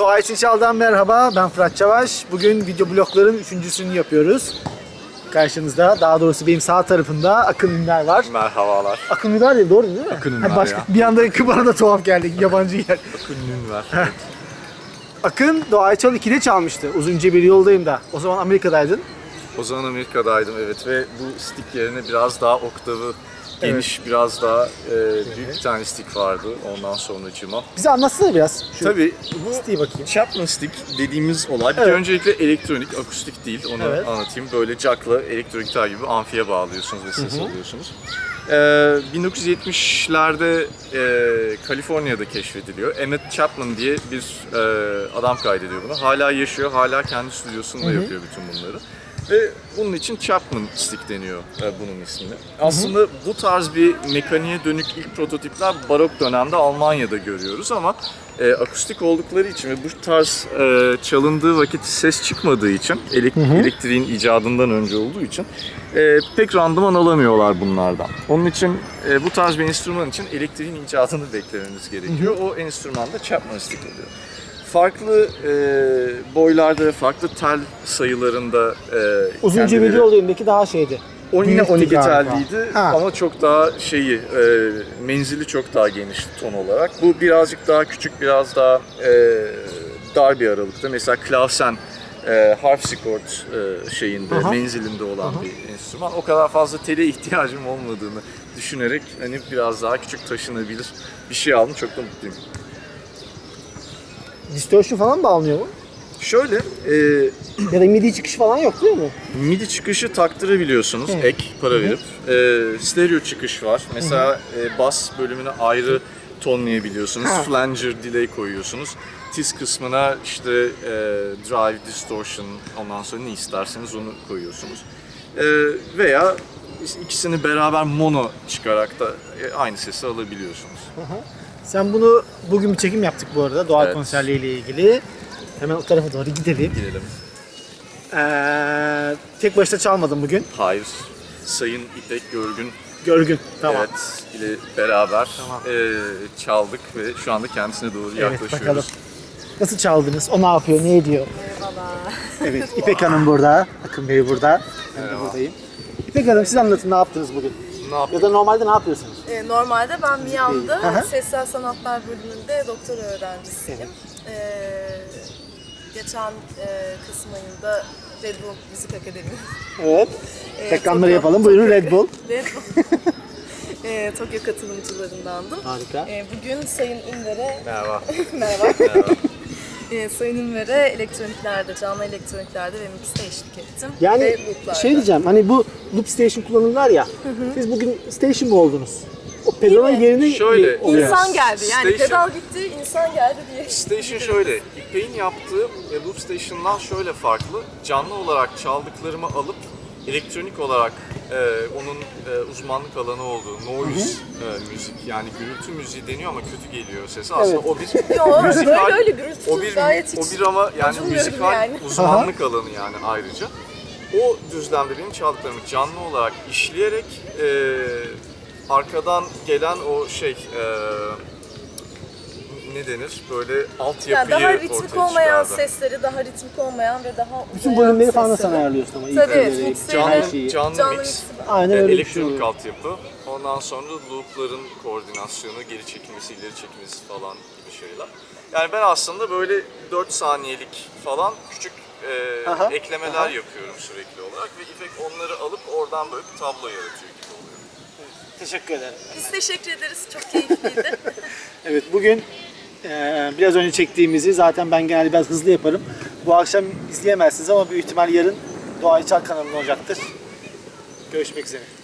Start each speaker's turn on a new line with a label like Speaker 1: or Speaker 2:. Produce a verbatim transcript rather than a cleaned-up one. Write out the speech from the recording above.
Speaker 1: Doğa için Çal'dan merhaba, ben Fırat Çavaş. Bugün video blogların üçüncüsünü yapıyoruz. Karşınızda, daha doğrusu benim sağ tarafımda Akın Ünver var.
Speaker 2: Merhabalar.
Speaker 1: Akın Ünver değil, doğru değil mi?
Speaker 2: Akın Ünver
Speaker 1: ha, başka,
Speaker 2: ya.
Speaker 1: Bir anda bana da tuhaf geldi, yabancı yer.
Speaker 2: Akın Ünver.
Speaker 1: Akın Doğa Çal ikide çalmıştı, uzunca bir yoldayım da. O zaman Amerika'daydın.
Speaker 2: O zaman Amerika'daydım evet ve bu stick yerine biraz daha oktavı geniş, evet. biraz daha e, büyük bir tane stick vardı ondan sonracığıma.
Speaker 1: Bize anlatsana biraz. Şu
Speaker 2: Tabii bu
Speaker 1: stick'i bakayım.
Speaker 2: Chapman stick dediğimiz olay bir
Speaker 1: evet.
Speaker 2: öncelikle elektronik, akustik değil onu evet. anlatayım. Böyle jackla elektro gitar gibi amfiye bağlıyorsunuz ve ses Hı-hı. alıyorsunuz. Ee, bin dokuz yüz yetmişlerde e, Kaliforniya'da keşfediliyor. Emmett Chapman diye bir e, adam kaydediyor bunu. Hala yaşıyor, hala kendi stüdyosunda Hı-hı. yapıyor bütün bunları. Ve bunun için Chapman stick deniyor e, bunun ismini. Aslında Hı-hı. bu tarz bir mekaniğe dönük ilk prototipler barok dönemde Almanya'da görüyoruz ama e, akustik oldukları için ve bu tarz e, çalındığı vakit ses çıkmadığı için, elek- elektriğin icadından önce olduğu için e, pek randıman alamıyorlar bunlardan. Onun için e, bu tarz bir enstrüman için elektriğin icadını beklememiz gerekiyor. Hı-hı. O enstrüman da Chapman stick oluyor. Farklı e, boylarda ve farklı tel sayılarında e,
Speaker 1: uzunca
Speaker 2: kendileri...
Speaker 1: video olayındaki daha şeydi.
Speaker 2: O yine on iki
Speaker 1: galiba.
Speaker 2: telliydi ha. ama çok daha şeyi, e, menzili çok daha geniş ton olarak. Bu birazcık daha küçük, biraz daha e, dar bir aralıkta. Mesela klavsen, e, harpsichord e, şeyinde, Aha. menzilinde olan Aha. bir enstrüman. O kadar fazla tele ihtiyacım olmadığını düşünerek hani biraz daha küçük taşınabilir bir şey aldım. Çok da mutluyum.
Speaker 1: Distortion falan bağlanıyor mu?
Speaker 2: Şöyle, e,
Speaker 1: ya da midi çıkışı falan yok değil mi?
Speaker 2: Midi çıkışı taktırabiliyorsunuz Hı. ek para verip. E, stereo çıkış var. Mesela e, bas bölümüne ayrı tonlayabiliyorsunuz. Ha. Flanger delay koyuyorsunuz. Tiz kısmına işte e, drive, distortion, ondan sonra ne isterseniz onu koyuyorsunuz. E, veya ikisini beraber mono çıkarak da e, aynı sesi alabiliyorsunuz.
Speaker 1: Hı hı. Sen bunu bugün bir çekim yaptık bu arada doğal evet. konserleriyle ilgili. Hemen o tarafa doğru gidelim.
Speaker 2: Gidelim.
Speaker 1: Ee, tek başına çalmadın bugün.
Speaker 2: Hayır. Sayın İpek Görgün.
Speaker 1: Görgün, tamam.
Speaker 2: Evet, ile beraber tamam. e, çaldık ve şu anda kendisine doğru evet, yaklaşıyoruz. Bakalım.
Speaker 1: Nasıl çaldınız? O ne yapıyor, ne ediyor?
Speaker 3: Merhaba.
Speaker 1: Evet, İpek Hanım burada, Akın Bey burada. Ben de buradayım. İpek Hanım siz anlatın ne yaptınız bugün?
Speaker 2: Ne
Speaker 1: ya da normalde ne yapıyorsunuz?
Speaker 3: Ee, normalde ben Miami'de Sessel Sanatlar bölümünde doktora öğrencisiyim. Evet. Ee, geçen e, Kasım ayında Red Bull Müzik Akademi.
Speaker 1: Evet. Ee, Reklamları yapalım. Buyurun Red Bull.
Speaker 3: Red Bull. e, Tokyo katılımcılarındandım.
Speaker 1: Harika.
Speaker 3: E, bugün Sayın Ünver'e...
Speaker 2: Merhaba.
Speaker 3: Merhaba.
Speaker 2: Merhaba.
Speaker 3: E, Sayın Ünver'e elektroniklerde, canlı elektroniklerde ve mixte eşlik ettim.
Speaker 1: Yani
Speaker 3: ve
Speaker 1: şey diyeceğim, hani bu loop station kullanırlar ya, hı hı. siz bugün station mı oldunuz? O pedalın yerine
Speaker 2: şöyle
Speaker 3: insan geldi yani
Speaker 2: station,
Speaker 3: pedal gitti insan geldi diye.
Speaker 2: Station şöyle, İpek'in yaptığı e, loop station'dan şöyle farklı. Canlı olarak çaldıklarımı alıp elektronik olarak e, onun e, uzmanlık alanı olduğu noise e, müzik yani gürültü müziği deniyor ama kötü geliyor sesi. Aslında
Speaker 1: evet.
Speaker 2: o bir
Speaker 3: Yo,
Speaker 2: müzikal
Speaker 3: öyle öyle gürültü
Speaker 2: o bir
Speaker 3: gayet
Speaker 2: o bir ama yani müzikal
Speaker 3: yani.
Speaker 2: uzmanlık alanı yani ayrıca. O düzlemde benim çaldıklarımı canlı olarak işleyerek e, arkadan gelen o şey e, ne denir böyle altyapıyı
Speaker 3: yani daha ritmik olmayan
Speaker 2: çıkardı.
Speaker 3: sesleri, daha ritmik olmayan ve daha
Speaker 1: bütün bölümleri falan da sen ayarlıyorsun ama
Speaker 3: tabii,
Speaker 1: ilk
Speaker 2: canlı, canlı, canlı mix,
Speaker 3: mix.
Speaker 1: Aynen öyle
Speaker 2: elektronik şey altyapı, ondan sonra loopların koordinasyonu, geri çekilmesi, ileri çekilmesi falan gibi şeyler. Yani ben aslında böyle dört saniyelik falan küçük e, aha, eklemeler aha. yapıyorum sürekli olarak ve İpek onları alıp oradan böyle bir tablo yaratıyor gibi oluyor.
Speaker 1: Teşekkür ederim.
Speaker 3: Biz teşekkür ederiz. Çok keyifliydi.
Speaker 1: Evet, bugün e, biraz önce çektiğimizi zaten ben genelde biraz hızlı yaparım. Bu akşam izleyemezsiniz ama büyük ihtimal yarın Doğa Çal kanalında olacaktır. Görüşmek üzere.